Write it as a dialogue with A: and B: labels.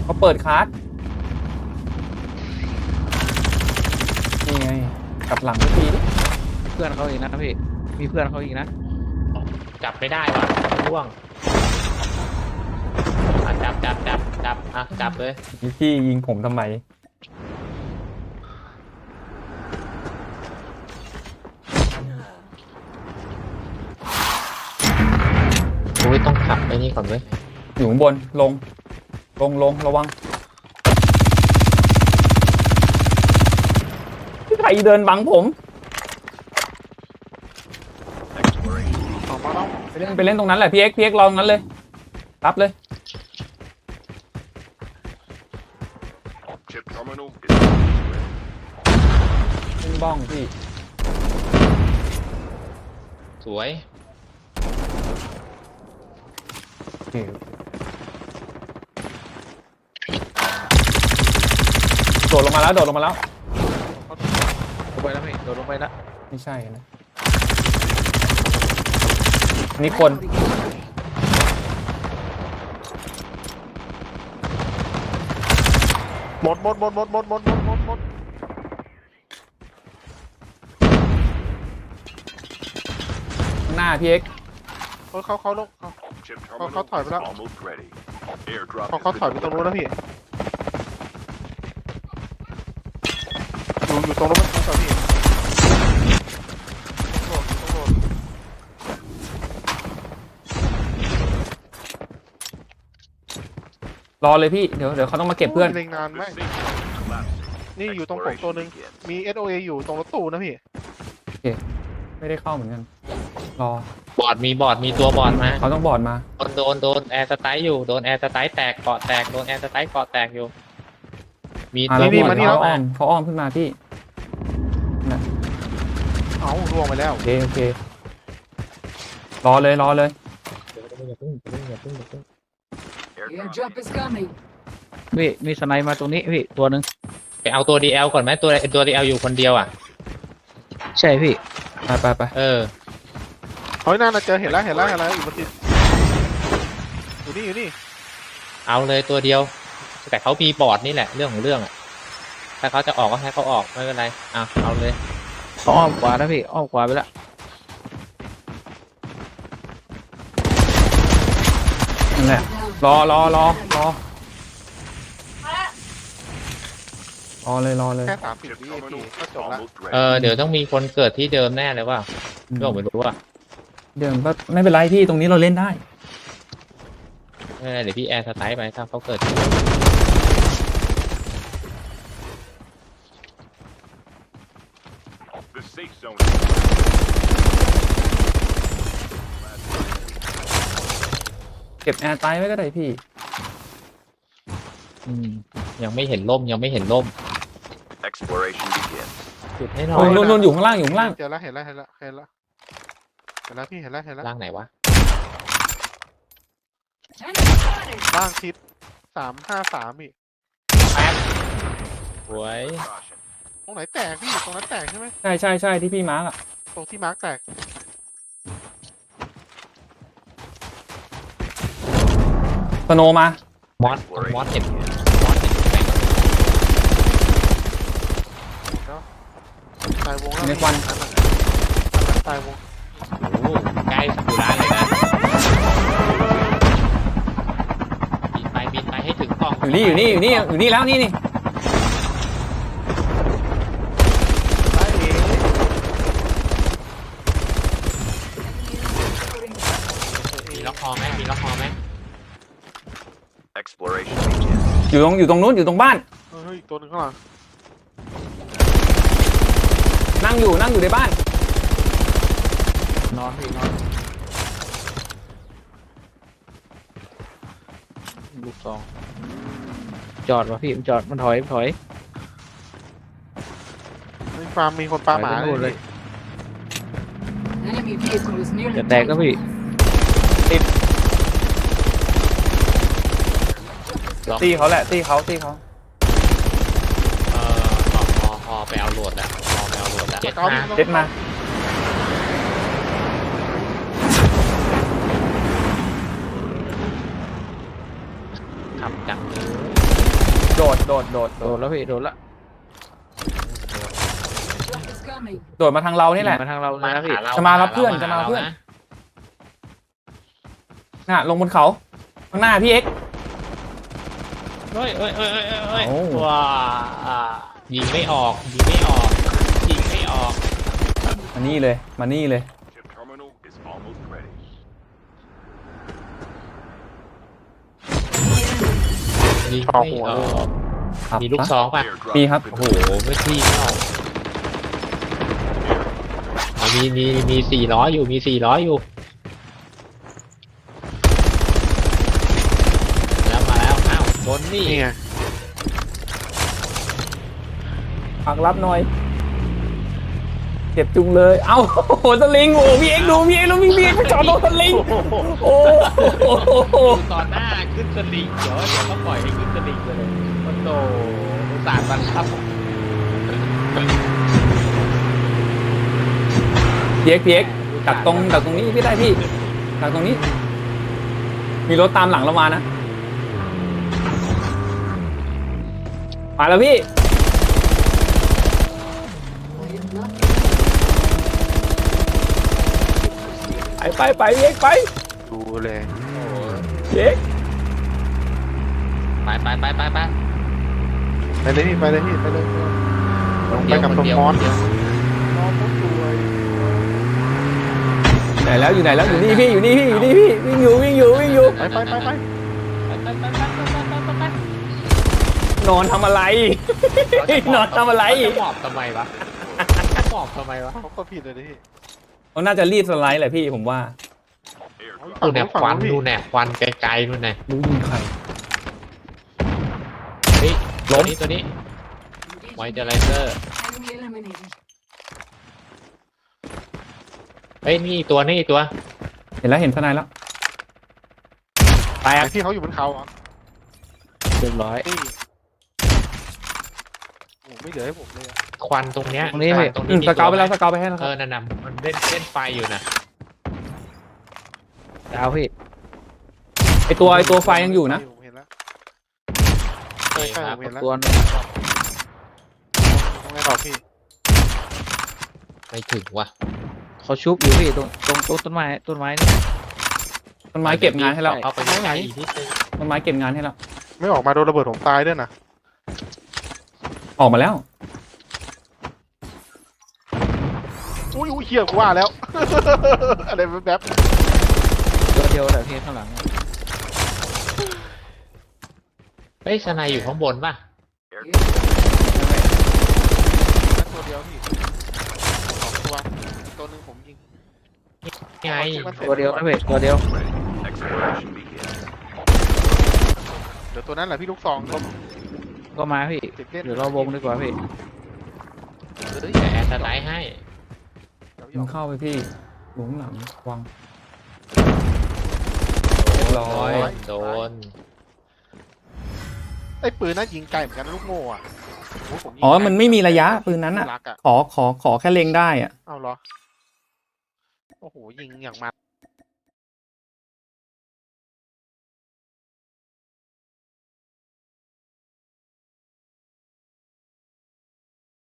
A: เขาเปิดคาร์ดนี่ไงกลับหลังทุกทีดิ
B: เพื่อนเขาอีกนะพี่มีเพื่อนเขาอีกนะ
C: จับไม่ได้ว่ะร่วงจับจับเลย
A: พี่ยิงผมทำไม
C: โอ้ยต้องขับไอ้นี่ก่อนเว้ย
A: อยู่ข้างบนลงระวังพี่ไทยเดินบังผมไปเล่นตรงนั้นแหละพี่เอ็กซ์รอตรงนั้นเลยรับเลยขึ้นบ้องพี่
C: สวย
A: โอเคโดดลงมาแล้ว
B: ลงไปแล้วพี่โดดลงไปแล้ว
A: ไม่ใช่นะนี่คน
D: หมด
A: ข้างหน้าพี่เอ็กซ์
D: เขาลงเขาถอยไปแล้วเขาถอยไปตรงนู้นแล้วพี่อยู่ตรงรถบรรทุกกับพี่ต้องโหลด
A: รอเลยพี่เดี๋ยวเขาต้องมาเก็บเพื่อน
D: เล็งนานไหมนี่อยู่ตรงผมตัวนึงมี SOA อยู่ตรงรถตู้นะพี่
A: ไม่ได้เข้าเหมือนกันรอบ
C: อดมีตัวบอดมา
A: เขาต้องบอร์ดมา
C: โดนแอร์สไตล์อยู่โดนแอร์สไตล์แตกเกาะแตกโดนแอร์สไตล์เกาะแตกอยู่มี
A: อ่า
C: ตัว
A: แล้ว
C: บอด
A: เขาอ้อมขึ้นมาพี่
D: เอ้าล่วงไปแล้ว
A: โอเครอเลย
E: Airdrop is coming.
B: พี่มีสไนมาตรงนี้พี่ตัวหนึ่ง
C: ไปเอาตัว DL ก่อนไหมตัว DL อยู่คนเดียวอ่ะ
B: ใช่พี่
A: ไป
C: เออ
D: เฮ้ยน่าจะเจอเห็นแล้วอยู่บนติดอยู่นี่
C: เอาเลยตัวเดียว แต่เขามีบอร์ดนี่แหละเรื่องของเรื่องอ่ะถ้าเขาจะออกก็ให้เขาออกไม่เป็นไรเอาเลย
B: เขาอ้อมขวานะพี่อ้อมขวาไปแล้ว
A: นั่นแหละรอเลย
D: แค่30 วิพี่ก็จบละ
C: เดี๋ยวต้องมีคนเกิดที่เดิมแน่เลยว่าก็ไม่รู้ว่า
A: เดี๋ยวไม่เป็นไรพี่ตรงนี้เราเล่นได้
C: ไม่เป็นไรเดี๋ยวพี่แอร์สไตล์ไปถ้าเขาเกิด
A: เก็บแอร์ไตไว้ก็ได้พี่
C: ยังไม่เห็นล่มจุดให้หน่อย
A: นู่นอยู่ข้างล่าง
D: เจอแล้วเห็นแล้วพี่เห็นแล้ว
C: ล่างไหนวะ
D: ล่างทิศ353พี่
C: สวย
D: ตรงไหนแตกพี่ตรงนั้นแตกใช่ไหม
A: ใช่ที่พี่มาร์กอะ
D: ตรงที่มาร์กแตก
A: สโนว์มาม
C: อสเห็น
D: ตายวงแล้ว
A: ในควัน
D: ตายวง
C: โอ้ใกล้สุราเลยนะบินไปให้ถึงกล่อง
A: อยู่นี่แล้วนี่
D: ตายเอง
C: มีล็อกคอไหม
A: อยู่ตรงนู้นอยู่ตรงบ้าน
D: เฮ้ยอีกตัวหนึงข้างหลัง
A: นั่งอยู่ในบ้าน
B: นอนพี่นอนลูกซองจอดวะพี่มันจอดมันถอย
D: ในฟาร์มมีคนปลาหมา
B: ไปนู่นเลย
E: Enemy vehicle is nearly
B: จะแตกก็พี่
A: ตีเขาแหละตีเขา
C: พอไปเอาโหลดแล้วเจ็ด
A: เด็ดมา
C: ขับจังเลย
A: โดด
B: โดนแล้วพี่โดนละ
E: Drop is coming.
A: โดดมาทางเรานี่แหละ
B: มาทางเราเลยนะพี่
C: หเร
A: จะมารับเพื่อน
C: ห
A: จะมารับเพื่อน
C: นะ
A: น่ะลงบนเขาข้างหน้าพี่เอ็กซ์
C: เฮ้ย
A: เอ้า
C: ว้ายิงไม่ออกยิงไม่ออกยิงไม่ออก
A: มานี่เลยมานี่เลย
F: Chip terminal is almost ready.
C: ยิงไม่ออก
A: ครับ
C: มีลูกซองป่ะ
F: Airdrop
A: มีครับ
C: โอ้โหไม่ที่ไม่ออกมี400อยู่มี400อยู่มาแล้วอ้าวโดนนี่
D: นี่ไง
A: ปักรับหน่อยเจ็บจุงเลย เอ้าโอ้โหสลิงโอ้พี่เอ็กซ์ดูพี่เอ็กซ์ดูพี่เอ็กซ์ไปจอดตรงสลิงโอ้โห
C: ตอนหน้าขึ้นสลิงเดี๋ยวเขาปล่อยให้ขึ้นสลิงไปเลยโอ้โหสาดบันครับ
A: พี่เอ็กซ์ดักตรงนี้พี่ได้พี่ดักตรงนี้ มีรถตามหลังเรามานะมาแล้วพี่
E: I am not
A: ไปพี่เอ็กซ์ไป
D: ดูเลย
A: พี่เอ็กซ์
C: ไป
D: ไปเลยพี่ไปเลยพี่ไปเลยลงไปกับ
C: คน
D: ตรง
C: เดียว
D: มอส
C: คนเดียว
D: น้องผมสวย
A: อยู่ไหนแล้วอยู่นี่พี่อยู่นี่พี่วิ่งอยู่
D: ไป
A: นอนทำอะไร นอนทำอะไร
C: เขาจะหมอบทำไมวะหมอบทำไมวะ
D: เขาก็ผิดเลยดิพี่
A: เขาน่าจะรีบสไลด์แหละพี่ผมว่า
F: Airdrop
C: ดูแนวควันดูแนวควันไกลๆนู่นไง
A: รู้ยิงใคร
C: เฮ้ย
A: ล้
C: ตัว
A: ม
C: นี้
E: engaging.
C: ไวเจอไรเซอร์
E: Enemy eliminated.
C: เฮ้ยนี่อีกตัว
A: เห็นทนายแล้วแตก
D: ไอ้ที่เขาอยู่บนเขาอ่ะ
B: เรียบร้อย
D: นี่โอ้ไม่เหลือให้ผมเลยอะ
C: ควันตรงเนี้ย
B: ตรงนี้
C: ควั
B: พี่
C: ตรง
A: สเกาไปแล้วสเกาไปให้แล้วค
C: เอ
A: รับ
C: อนั่นน่ะมันเล่นไฟอยู่นะ
B: ดาวพี่
A: ไอตัวไฟยังอยู่นะ
D: ผมเห็นแล้ว
C: โอเค
D: ใช่
C: ครับ
D: ผมเห็นแล้ว
B: ตัวนึง
D: ตรงไหนต่อพี่
C: ไม่ถึงว่ะ
B: เขาชุบอยู่พี่ตรงต้นไม้นี่
A: ต้นไม้เก็บงานให้เรา
C: เข้าไปใกล้ๆอีกนิดนึง
A: ต้นไม้เก็บงานให้เรา
D: ไม่ออกมาโดนระเบิดผมตายด้วยนะ
A: ออกมาแล้ว
D: อุ้ยเหี้ยกูว่าแล้ว อะไรแบบ
B: ตัวเดียวแต่พี่ข้างหลัง
C: เฮ้ยสไนอยู่ข้างบนป่ะ
D: นั้นตัวเดียวพี่สองตัวหนึ่งผมยิง
C: ไง
B: ตัวเดียวนะพี่ตัวเดียว
F: ready. Exploration begins.
D: เดี๋ยวตัวนั้นแหละพี่ลูกซองผม
B: ก็มาพี่
D: ติดเล่น
B: เดี๋ยวเราวงดีกว่าพี่
D: เฮ้ย
C: แต่แอร์สไนให้
A: ยิงเข้าไปพี่หลุมหลังวางเรียบร้อย
C: โดน
D: ไอ้ปืนนั้นยิงไกลเหมือนกันนะลูกโม่อะโอ้โหผมยิง
A: อ๋อมันไม่มีระยะปืนนั้นอ่ะ
D: รักอะ
A: ขอแค่เล็งได้อ่ะ
D: เอาเหรอ โอ้โหยิงอย่างมัน